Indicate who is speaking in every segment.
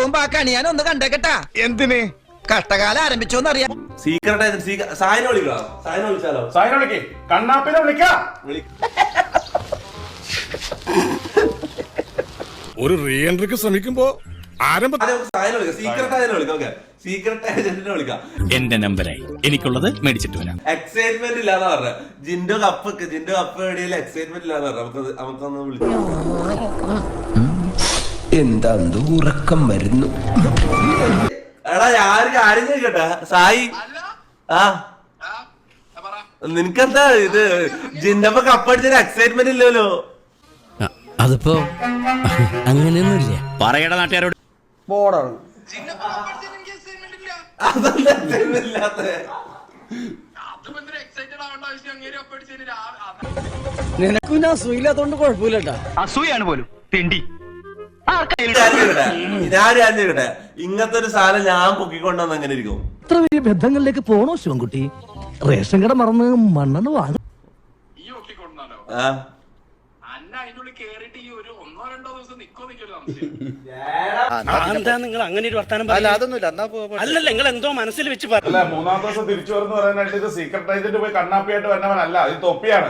Speaker 1: പോകുമ്പോ ആ കണി ഞാൻ ഒന്ന് കണ്ടേക്കട്ടാ.
Speaker 2: എന്തിന്?
Speaker 1: കഷ്ടകാലം ആരംഭിച്ചോന്നറിയാം.
Speaker 3: സീക്രട്ട് സായനെ വിളിക്കണോ? സായനെ വിളിച്ചാലോ?
Speaker 2: സായനെ വിളിക്കേ, കണ്ണാപ്പിനെ വിളിക്കാം.
Speaker 4: ഒരു റീ എൻട്രിക്ക് ശ്രമിക്കുമ്പോ
Speaker 3: സീക്രട്ട് ഏജന്റിനെ വിളിക്കാം.
Speaker 5: എന്റെ നമ്പറായി എനിക്കുള്ളത് മേടിച്ചിട്ട് വരാം.
Speaker 3: എക്സൈറ്റ്മെന്റ് ഇല്ലാന്ന് പറഞ്ഞ ജിൻഡോ കപ്പ് എവിടെയല്ല എക്സൈറ്റ്മെന്റ് ഇല്ലാന്ന് പറഞ്ഞ നമുക്കൊന്ന് വിളിക്കാം.
Speaker 6: എന്താ ഉറക്കം വരുന്നു.
Speaker 3: എടാ ഞാൻ കാര്യം ചോദിക്കട്ടെ സായി, നിനക്കെന്താ ഇത് ജിൻഡോ കപ്പടിച്ചൊരു എക്സൈറ്റ്മെന്റ് ഇല്ലല്ലോ?
Speaker 5: അതിപ്പോ അങ്ങനെയൊന്നുമില്ല. പറയട നാട്ടുകാരോട്.
Speaker 1: നിനക്കും ഞാൻ സുഖമില്ലാത്തോണ്ട് കുഴപ്പമില്ലട്ടാ.
Speaker 7: അസൂയാണ് പോലും തെണ്ടി.
Speaker 3: ഞാൻ ചോദിക്കട്ടെ, ഇങ്ങനത്തെ ഒരു സാധനം ഞാൻ പൊക്കിക്കൊണ്ടുവന്ന് എങ്ങനെ ഇരിക്കും?
Speaker 8: ഇത്ര വലിയ ബന്ധങ്ങളിലേക്ക് പോണോ ശിവൻകുട്ടി? റേഷൻ കട മറന്ന് മണ്ണെണ്ണ വാങ്ങും.
Speaker 7: എന്താ നിങ്ങൾ അങ്ങനെ ഒരു വർത്താനം? അല്ലല്ല, നിങ്ങൾ എന്തോ മനസ്സിൽ വെച്ച്
Speaker 2: അല്ല, മൂന്നാം ദിവസം തിരിച്ചു വരുന്ന പറയാനായിട്ട് ഇത് സീക്രട്ട് ഏജന്റ് പോയി കണ്ണാപ്പിയായിട്ട് വന്നവനല്ല, ഇത് തൊപ്പിയാണ്.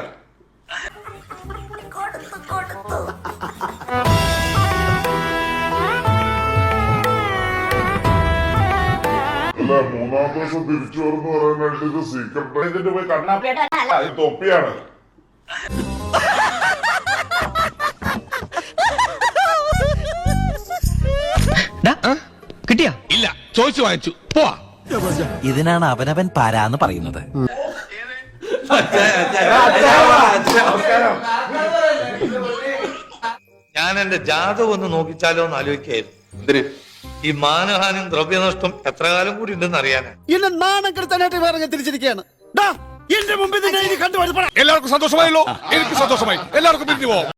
Speaker 9: അല്ല, മൂന്നാം ദിവസം തിരിച്ചു വരുന്ന പറയാനായിട്ട് ഇത് സീക്രട്ട് ഏജന്റ് പോയി കണ്ണാപ്പിയായിട്ട്, ഇത് തൊപ്പിയാണ്.
Speaker 7: കിട്ടിയാ?
Speaker 4: ഇല്ല, ചോദിച്ചു വാങ്ങിച്ചു പോവാ.
Speaker 5: ഇതിനാണ് അവനവൻ പാരാന്ന് പറയുന്നത്.
Speaker 10: ഞാൻ എന്റെ ജാതകം ഒന്ന് നോക്കിച്ചാലോ എന്ന് ആലോചിക്കായിരുന്നു. ഈ മാനഹാനിയും ദ്രവ്യനഷ്ടം എത്ര കാലം കൂടി ഉണ്ടെന്ന് അറിയാനാ.
Speaker 8: എന്നെ നാണം കെടുത്താനായിട്ട് വേറെ തിരിച്ചിരിക്കുകയാണ്. എന്റെ മുമ്പിൽ
Speaker 4: എല്ലാവർക്കും സന്തോഷമായല്ലോ? എനിക്ക് സന്തോഷമായി. എല്ലാവർക്കും പിരിഞ്ഞു പോവാം.